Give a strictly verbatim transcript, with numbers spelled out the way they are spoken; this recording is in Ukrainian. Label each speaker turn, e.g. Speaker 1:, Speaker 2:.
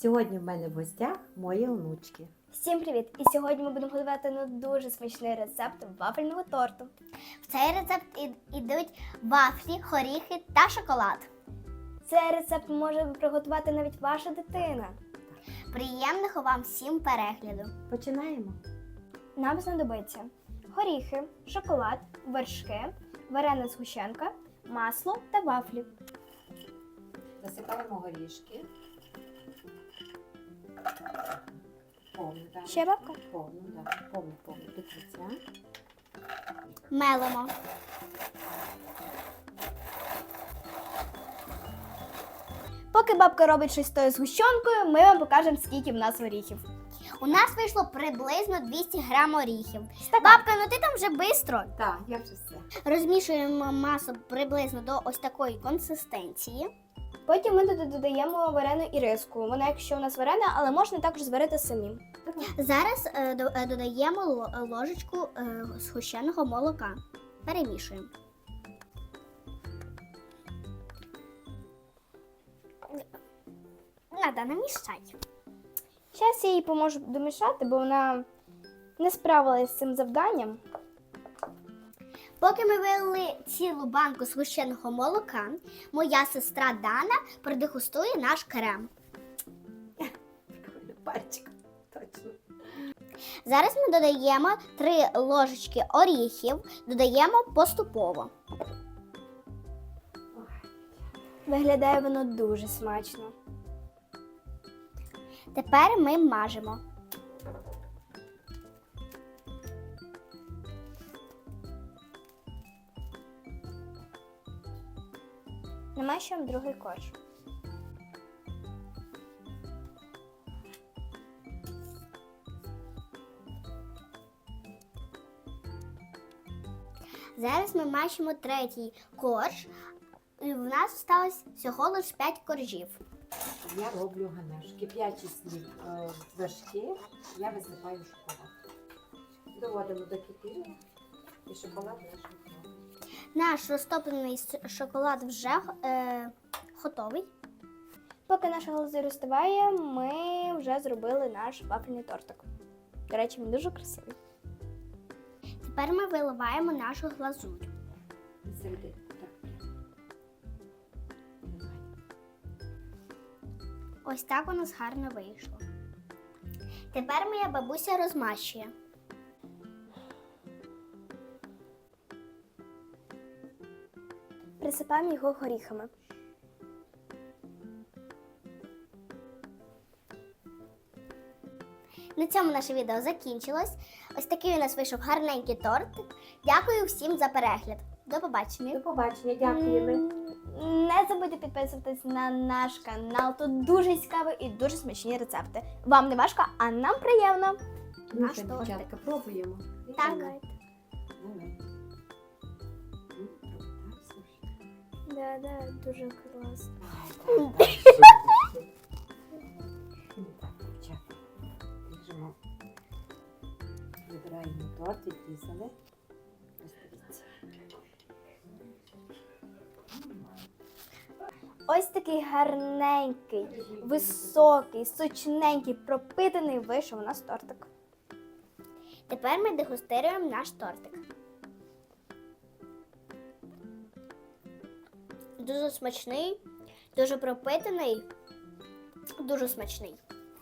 Speaker 1: Сьогодні в мене в гостях мої онучки.
Speaker 2: Всім привіт! І сьогодні ми будемо готувати ну, дуже смачний рецепт вафельного торту.
Speaker 3: В цей рецепт йдуть вафлі, горіхи та шоколад.
Speaker 2: Цей рецепт може приготувати навіть ваша дитина.
Speaker 3: Приємного вам всім перегляду!
Speaker 1: Починаємо.
Speaker 2: Нам знадобиться горіхи, шоколад, вершки, варена згущенка, масло та вафлі.
Speaker 1: Засипаємо горішки. Повну, так.
Speaker 2: Ще бабка?
Speaker 1: Повну, так. Повну, повну, до кінця.
Speaker 3: Мелимо.
Speaker 2: Поки бабка робить щось з тою згущенкою, ми вам покажемо, скільки в нас горіхів.
Speaker 3: У нас вийшло приблизно двісті грам оріхів.
Speaker 2: Стакан.
Speaker 3: Бабка, ну ти там вже швидко.
Speaker 1: Так, я вже все.
Speaker 3: Розмішуємо масу приблизно до ось такої консистенції.
Speaker 2: Потім ми туди додаємо варену іриску. Вона, якщо у нас варена, але можна також зварити самим.
Speaker 3: Зараз е, до- е, додаємо ло- ложечку е, згущеного молока. Перемішуємо. Надо намішати.
Speaker 2: Зараз я їй поможу домішати, бо вона не справилась з цим завданням.
Speaker 3: Поки ми вилили цілу банку згущеного молока, моя сестра Дана продегустує наш крем.
Speaker 1: Прикольно, пальчик. Точно.
Speaker 3: Зараз ми додаємо три ложечки оріхів, додаємо поступово.
Speaker 2: Виглядає воно дуже смачно.
Speaker 3: Тепер ми мажемо.
Speaker 2: Намащуємо другий корж.
Speaker 3: Зараз ми мащимо третій корж. І в нас залишилось всього лише п'ять коржів.
Speaker 1: Я роблю ганеш. Кип'ячі слів е, вершки, я висипаю шоколад. Доводимо до кипіння і шоколад наш готовий.
Speaker 3: Наш розтоплений с- шоколад вже е, готовий.
Speaker 2: Поки наша глазурь розставає, ми вже зробили наш вафельний тортик. До речі, він дуже красивий.
Speaker 3: Тепер ми виливаємо нашу глазурь.
Speaker 1: І середину. Так. Давай.
Speaker 3: Ось так у нас гарно вийшло. Тепер моя бабуся розмащує.
Speaker 2: Присипаємо його горіхами.
Speaker 3: На цьому наше відео закінчилось. Ось такий у нас вийшов гарненький тортик. Дякую всім за перегляд. До побачення.
Speaker 1: До побачення, дякуємо.
Speaker 2: М, Не забудьте підписуватись на наш канал. Тут дуже цікаві і дуже смачні рецепти. Вам не важко, а нам приємно.
Speaker 1: Ну
Speaker 3: Наш
Speaker 1: що,
Speaker 3: тортик.
Speaker 1: дівчатка, пробуємо.
Speaker 3: Так.
Speaker 1: Давай. Давай. Ну, так, слушай.
Speaker 2: Да, да, дуже класно.
Speaker 1: Ай, так, так. Ну, так, дівчата. Ріжемо. Вибираємо торт, відрізали. Ось дивіться.
Speaker 2: Ось такий гарненький, високий, сочненький, пропитаний вийшов у нас тортик.
Speaker 3: Тепер ми дегустируємо наш тортик. Дуже смачний, дуже пропитаний, дуже смачний.